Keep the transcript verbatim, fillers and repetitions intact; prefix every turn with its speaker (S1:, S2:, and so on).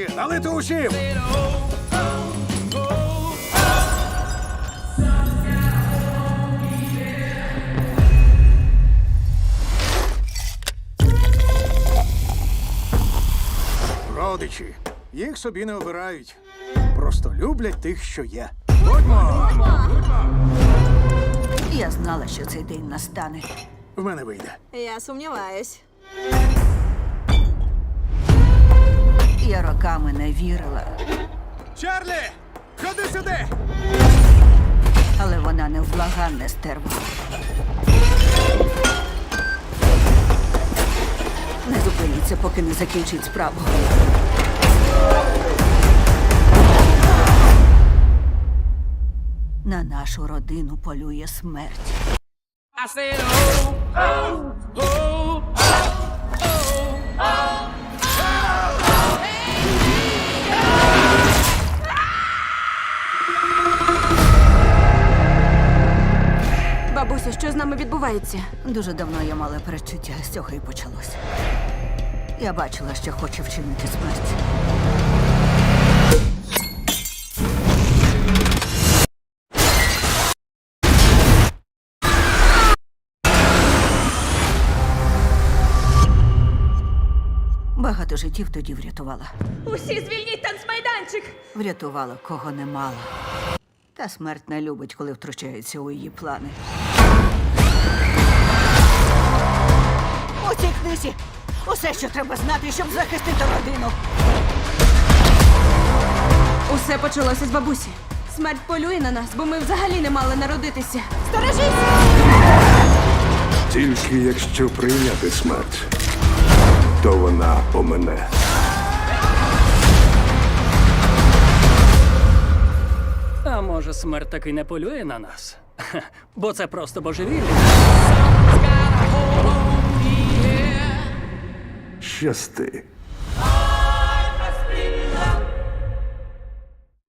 S1: Родичі, налити усім! Родичі. Їх собі не обирають. Просто люблять тих, що є. Будьмо!
S2: Я знала, що цей день настане.
S1: В мене вийде.
S3: Я сумніваюсь.
S2: Я роками не вірила,
S1: Чарлі! Ходи сюди!
S2: але вона невблаганне стерва. Не зупиніться, поки не закінчить справу. На нашу родину полює смерть.
S4: I said, oh, oh, oh, oh, oh.
S3: Бабусю, що з нами відбувається?
S2: Дуже давно я мала передчуття, з цього і почалось. Я бачила, що хоче вчинити смерть. Багато життів тоді врятувала.
S3: Усі звільніть танцмайданчик!
S2: Врятувала, кого не мала. Та смерть не любить, коли втручається у її плани. У цій книзі усе, що треба знати, щоб захистити родину.
S3: Усе почалося з бабусі. Смерть полює на нас, бо ми взагалі не мали народитися. Сторожись!
S5: Тільки якщо прийняти смерть, то вона помине.
S4: А може, смерть таки не полює на нас? Хе, бо це просто божевілля.
S5: Щасти.